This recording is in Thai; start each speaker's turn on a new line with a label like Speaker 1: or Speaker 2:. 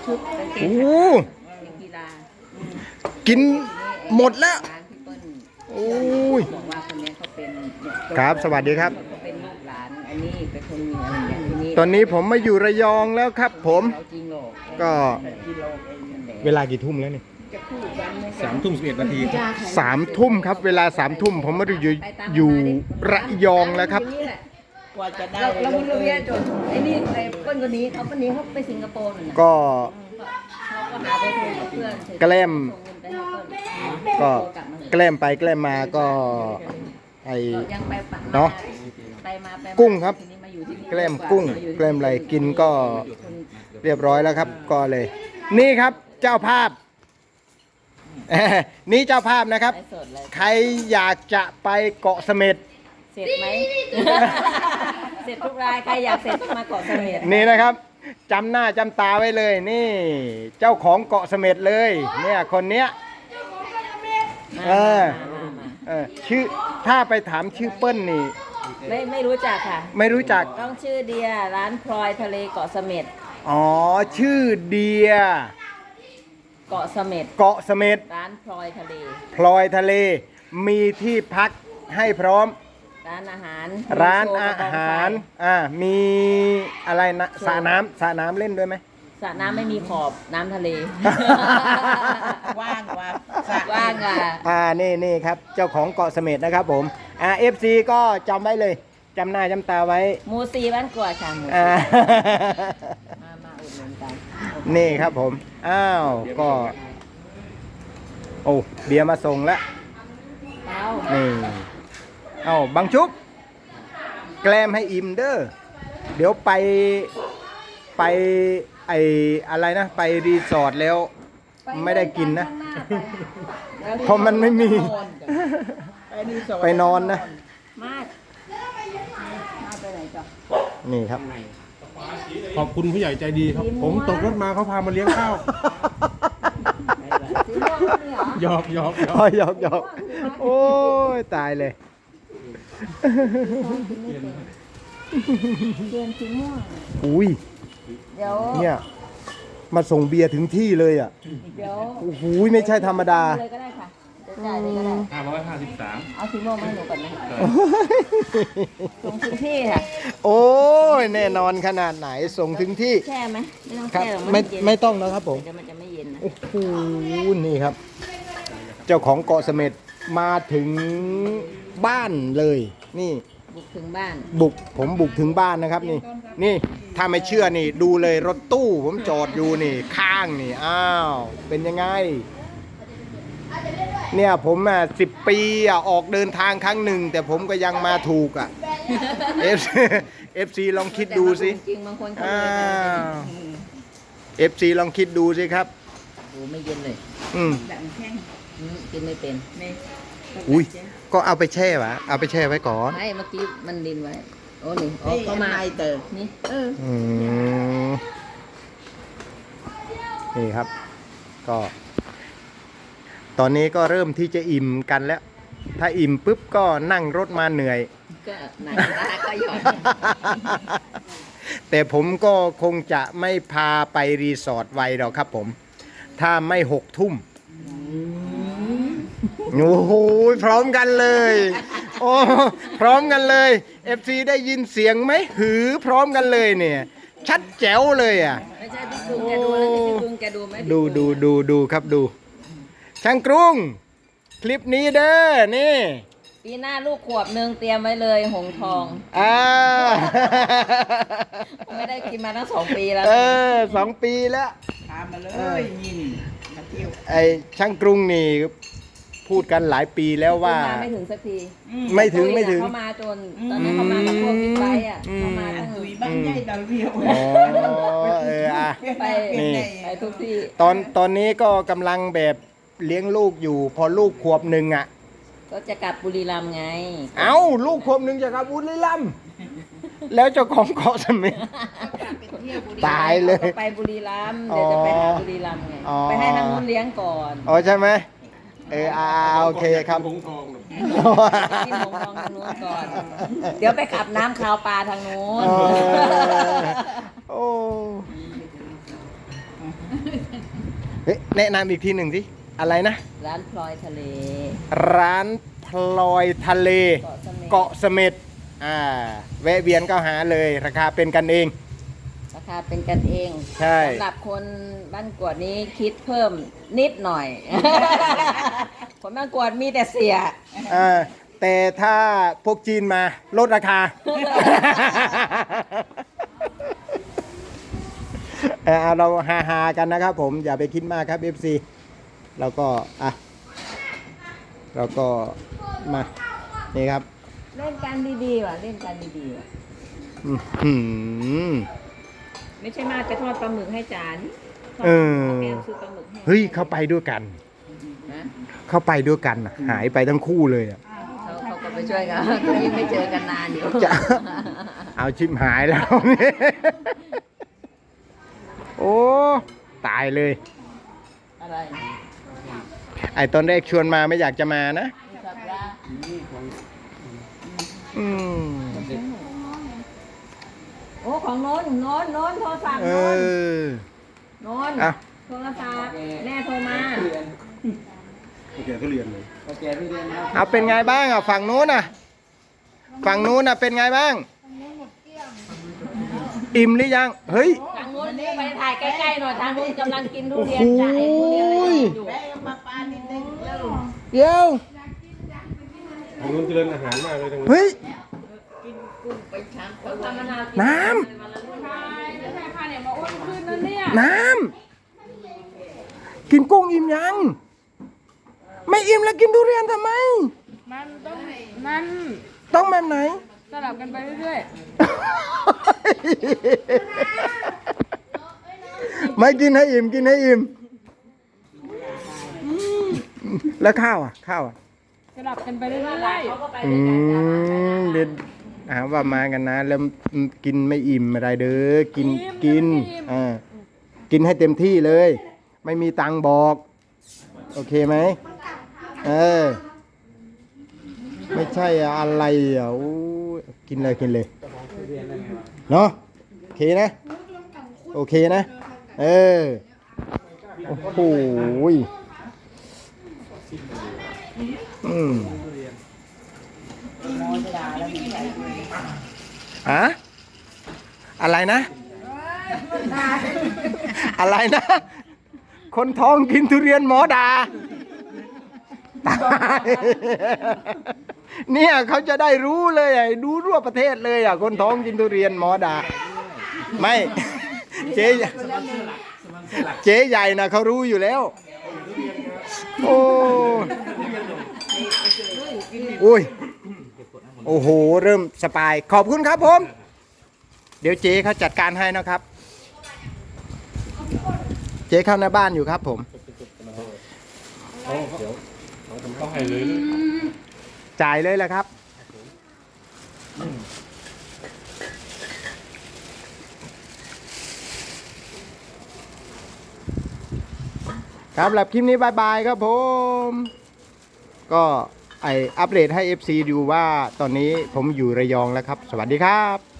Speaker 1: ชุดกางเก
Speaker 2: โอ้
Speaker 1: ง
Speaker 2: โห
Speaker 1: กีฬา
Speaker 2: กินหมดแล้ว
Speaker 1: ร้านพี่เปิ้ล
Speaker 2: โอ้ย
Speaker 1: บอกว่าคนนี้เขาเป็นเนี่ย
Speaker 2: ครับสวัสดีครับ
Speaker 1: เขาเป็นลูกหลานอันนี้เป็นคนมีอะไรอย่างนี้
Speaker 2: ตอนนี้ผมมาอยู่ระยองแล้วครับ ผม
Speaker 1: เราจริงหรอก
Speaker 2: ก็
Speaker 1: กิโลเองนั่นแหละ
Speaker 2: เวลากี่ทุ่มแล้วนี่
Speaker 1: จะพูดกันไม่
Speaker 3: 3:11 นาที
Speaker 2: 3 ทุ่มครับ เวลา3 ทุ่มผมมาอยู่ระยองแล้วครับ
Speaker 1: กว่าจะได้เราบุญเราเวียจนไอ้นี่ไอ้เปิ้ลคนนี้เขาคนนี้เขาไปสิงคโปร์น่ะ
Speaker 2: ก็
Speaker 1: เขาก็หาไปคุยกับเพื่อน
Speaker 2: แกล้ม
Speaker 1: ส่งเงินไปให้เปิ้ล
Speaker 2: ก็แกล้มไปแกล้มมาก็ไอ
Speaker 1: ยังไปปะ
Speaker 2: เนาะ
Speaker 1: ไปมาไปมา
Speaker 2: กุ้งครับ
Speaker 1: ทีนี้มาอยู่ที่นี่
Speaker 2: แกล้มกุ้ง
Speaker 1: มาอยู่ที่
Speaker 2: แกล้มอะไรกินก็เรียบร้อยแล้วครับ ก็เลย นี่ครับเจ้าภาพ นี่เจ้าภาพนะครับ
Speaker 1: ไลฟ์สดเลย
Speaker 2: ใครอยากจะไปเกาะเสม็ด
Speaker 1: เสร็จไหม เสร็จทุกรายใครอยากเสร็จมาเกาะเสม็ด
Speaker 2: นี่นะครับจำหน้าจำตาไว้เลย นี่ เจ้าของเกาะเสม็ดเลย เนี่ยคนเนี้ย เออ ชื่อถ้าไปถามชื่อเปิ้ลนี่
Speaker 1: ไม่รู้จักค่ะ
Speaker 2: ไม่รู้จัก
Speaker 1: ต้องชื่อเดียร้านพลอยทะเลเกาะเสม็ด
Speaker 2: อ๋อ ชื่อเดีย
Speaker 1: เกาะเสม็ด
Speaker 2: เกาะเสม็ด
Speaker 1: ร้านพลอยทะเล
Speaker 2: พลอยทะเล มีที่พักให้พร้อม
Speaker 1: ร้านอาหาร
Speaker 2: ร้าน
Speaker 1: มีโช
Speaker 2: อา
Speaker 1: ว์กระบง
Speaker 2: หาร
Speaker 1: ไฟ
Speaker 2: มีอะไรนะสระน้ำเล่นด้วยไหม
Speaker 1: สระน้ำไม่มีขอบน้ำทะเล
Speaker 4: ว่างว่า
Speaker 1: ว่างอ่ะ
Speaker 2: นี่ครับ เจ้าของเกาะเสม็ดนะครับผมFC ก็จำไว้เลยจำหน้าจำตาไว้
Speaker 1: หมูซีบ้านกวาดค่ะหมู
Speaker 2: อ่า
Speaker 1: มาอุดหนุนกัน
Speaker 2: นี่ครับผม อ้าว ก็ โอ้ เบียร์มาส่งแล้ว
Speaker 1: เอา
Speaker 2: นี่เอ้าบังชุบ แกล้มให้อิ่มเด้อ เดี๋ยวไปไออะไรนะ ไปรีสอร์ทแล้ว ไม่ได้กินนะ เพราะมันไม่มี ไปนอนนะ
Speaker 1: มาดมาไปไหนจ๊ะ
Speaker 2: นี่ครับ
Speaker 3: ขอบคุณผู้ใหญ่ใจดีครับ ผมตกรถมาเขาพามาเลี้ยงข้าว
Speaker 1: สีม่วงนี่เหรอ
Speaker 3: หยอกหยอกหยอก
Speaker 2: อ๋อหยอกโอ้ย ตายเลย
Speaker 1: เปลี่ยนสีม่วง
Speaker 2: อุ้ย
Speaker 1: เดี๋ยว
Speaker 2: เนี่ย มาส่งเบียร์ถึงที่เลยอ่ะ
Speaker 1: เดี๋ยว
Speaker 2: โอ้โหไม่ใช่ธรรมดา
Speaker 1: เลยก็ได้ค่ะเดี๋ยวจ่ายเลยก็ได้
Speaker 3: 553
Speaker 1: เอาสีม่วงมาให้หนูก่อนนะส่งถึงที่ค่ะ
Speaker 2: โอ้ยแน่นอนขนาดไหนส่งถึงที่
Speaker 1: แช่ไหมไม่ต้อง
Speaker 2: ครับ
Speaker 1: แช่หรอก
Speaker 2: ไม่
Speaker 1: นเย็น
Speaker 2: ไม่ต้องนะครับผม
Speaker 1: เดี๋ยวมันจะไม่เย็นนะ
Speaker 2: โอ้โหนี่ครับ เจ้าของเกาะเสม็ดมาถึงบ้านเลย นี่
Speaker 1: บุกถึงบ้าน
Speaker 2: ผมบุกถึงบ้านนะครับนี่ นี่ถ้าไม่เชื่อนี่ดูเลยรถตู้ผมจอดอยู่นี่ ข้างนี่อ้าวเป็นยังไง เนี่ยผม10 ปีออกเดินทางครั้งหนึ่ง แต่ผมก็ยังมาถูกอ่ะ FC ลองคิดดูสิ
Speaker 1: จริงๆบางคนเขา
Speaker 2: อ้า
Speaker 1: เลยนะ
Speaker 2: ว FC ลองคิดดูสิครับ
Speaker 1: โอ้ไม่เย็นเลย
Speaker 2: อืม
Speaker 4: แบบแข้ง
Speaker 1: กินไม่เป็น
Speaker 4: ใน
Speaker 2: อุ้ยก็เอาไปแช่วะเอาไปแช่ไว้ก่อน
Speaker 1: ไม่เมื่อกี้มันดินไว้โอ้นี่โอ้
Speaker 4: นี่
Speaker 1: เข้า
Speaker 4: เข้า
Speaker 1: มา
Speaker 4: มาเตอ
Speaker 1: นี่
Speaker 2: อืมนี่ครับ ก็ ตอนนี้ก็เริ่มที่จะอิ่มกันแล้ว ถ้าอิ่มปุ๊บก็นั่งรถมาเหนื่อย
Speaker 1: ก็หนังตาก็หย่อน
Speaker 2: แต่ผมก็คงจะไม่พาไปรีสอร์ทไวหรอกครับผม ถ้าไม่6 ทุ่มโอ้โหพร้อมกันเลย โอ้พร้อมกันเลย FC ได้ยินเสียงไหมหือพร้อมกันเลยเนี่ย ชัดแจ๋วเลยอ่ะ
Speaker 1: ไม่ใช่พี่กรุงแกดูแล้วพี่กรุงแกดูไหม
Speaker 2: ดูครับดู ช่างกรุง คลิปนี้เด้อนี่
Speaker 1: ปีหน้าลูกขวบหนึ่งเตรียมไว้เลยหงทอง
Speaker 2: อ่า
Speaker 1: ไม่ได้กินมาตั้ง2 ปีแล้ว
Speaker 2: 2 ปีแล้ว
Speaker 4: พามาเลยยินมาเที่ยว
Speaker 2: ไอ้ช่างกรุงนี่พูดกันหลายปีแล้วว่า
Speaker 1: มาไม่ถึงสักที
Speaker 2: ไม่ถึง
Speaker 1: เขามาจนตอนนี้เขามากับพวกบิ๊กไบค์อ่ะเขามา
Speaker 4: อั
Speaker 1: ตั้
Speaker 4: น
Speaker 1: ง
Speaker 4: ตุยบ้านใหญ่ดาวเรียว
Speaker 2: อ๋ออ่ะ
Speaker 1: ไป
Speaker 2: นี่
Speaker 1: ไปทุกที่
Speaker 2: ตอนนี้ก็กำลังแบบเลี้ยงลูกอยู่ พอลูกขวบหนึ่งอ่ะ
Speaker 1: ก็จะกลับบุรีรัมย์ไง
Speaker 2: เอ้าลูกขวบหนึ่งจะกลับบุรีรัมย์แล้วเจ้าของเกาะเสม็ดตายเลย
Speaker 1: ไปบุรีรัมย์เดี๋ยวจะไปหาบุรีรัมย์ไง
Speaker 2: อ๋อ
Speaker 1: ไปให้ทางนู้นเลี้ยงก่อน
Speaker 2: อ๋อใช่ไหมโอเคครับ
Speaker 3: หงทอง
Speaker 1: กินหงทองทางนู้นก่อน เดี๋ยวไปขับน้ำคาวปลาทางนู้น
Speaker 2: โอ้เฮ้ยแนะนำอีกทีหนึ่งสิอะไรนะ
Speaker 1: ร้านพลอยทะเล
Speaker 2: ร้านพลอยทะเล
Speaker 1: เกาะเสม็ด
Speaker 2: เกาะเสม็ดแวะเวียนก็หาเลยราคาเป็นกันเอง
Speaker 1: ราคาเป็นกันเอง
Speaker 2: ใช่
Speaker 1: สำหรับคนบ้านกวดนี้คิดเพิ่มนิดหน่อย คนบ้านกวดมีแต่เสีย
Speaker 2: แต่ถ้าพวกจีนมาลดราคา เราฮาๆกันนะครับผมอย่าไปคิดมากครับ FC เราก็เราก็มานี่ครับ
Speaker 1: เล่นกันดีๆว่ะเล่นกันดีๆว่ะ
Speaker 2: อื้อหือ
Speaker 1: ไม่ใช่มาจะทอดปลาหมึกให้จาน
Speaker 2: เออ
Speaker 1: แกซื้อปลาหมึกให้
Speaker 2: เฮ้ยเข้าไปด้วยกัน
Speaker 1: นะ
Speaker 2: เข้าไปด้วยกันน่ะหายไปทั้งคู่เลยอ่ะ
Speaker 1: เขาก็ไปช่วยกัน ก็ยิ่งไม่เจอกันนานอยู่
Speaker 2: จะ เอาชิมหายแล้วเนี่ยโอ้ตายเลย
Speaker 1: อะไร
Speaker 2: ไอตอนแรกชวนมาไม่อยากจะมานะ
Speaker 1: สับละ
Speaker 2: อืม
Speaker 1: โอ้ของโน้นโทรศัพท์
Speaker 2: เอ
Speaker 1: โน้น
Speaker 2: อ
Speaker 1: โน้น
Speaker 2: อ่ะ
Speaker 1: โทรศัพท์แม่โทรมา
Speaker 3: แกทุเรียนเลย
Speaker 2: เอาเป็นไงบ้างอ่ะฝั่งนู้นอ่ะฝั่งนู้นอ่ะเป็นไงบ้างอิ่มหรือยังเฮ้ย
Speaker 1: ทางโน้นไปถ่ายใกล้ๆหน่อยทางโน้นกำลังกินทุเรียน
Speaker 2: โอ้โห
Speaker 1: จ่ายทุเรียนอะไรอยู่
Speaker 4: แม่มาปานิดนึงแล้ว
Speaker 2: เดี๋ยว
Speaker 3: ทางนู้นเจริญอาหารมากเลยทางนู้น
Speaker 2: เฮ้ย
Speaker 1: เขาทำมะนาวกิ
Speaker 2: น้ำ น้ำกินกุ้งอิ่มยัง ไม่อิ่มแล้วกินทุเรียนทำไม
Speaker 5: มันต้อง
Speaker 2: ต้องแบบไหน
Speaker 5: สลับกันไปเรื่อย
Speaker 2: ไม่กินให้อิ่มกินให้อิ่มแล้วข้าวอ่ะข้าวอ่ะ
Speaker 5: ๆ สลับกันไปเรื่อย
Speaker 1: เขาก็ไปด้วยกันจ้ะ
Speaker 2: เด็ดว่ามากันนะ แล้วกินไม่อิ่มอะไรเด้อกินกินกินให้เต็มที่เลย ไม่มีตังค์บอก โอเคไหมไม่ใช่อะไรอ่ะโอ้ยกินเลยกินเลยเนาะโอเคนะโอเคนะโอ้โหอะไรนะ อะไรนะ คนท้องกินทุเรียนหมอดาตายเนี่ยเขาจะได้รู้เลยดูทั่วประเทศเลยคนท้องกินทุเรียนหมอดา ไม่ เจ๊ใหญ่นะเขารู้อยู่แล้ว โอ้ยโอ้โหเริ่มสปายขอบคุณครับผม เดี๋ยวเจ๊เขาจัดการให้นะครับ เจ๊เข้าในบ้านอยู่ครับผม
Speaker 3: ต้องให้เลย
Speaker 2: จ่ายเลยแหละครับ ครับสำหรับคลิปนี้บายบายครับผม ก็อัปเดตให้ FC ดูว่าตอนนี้ผมอยู่ระยองแล้วครับ สวัสดีครับ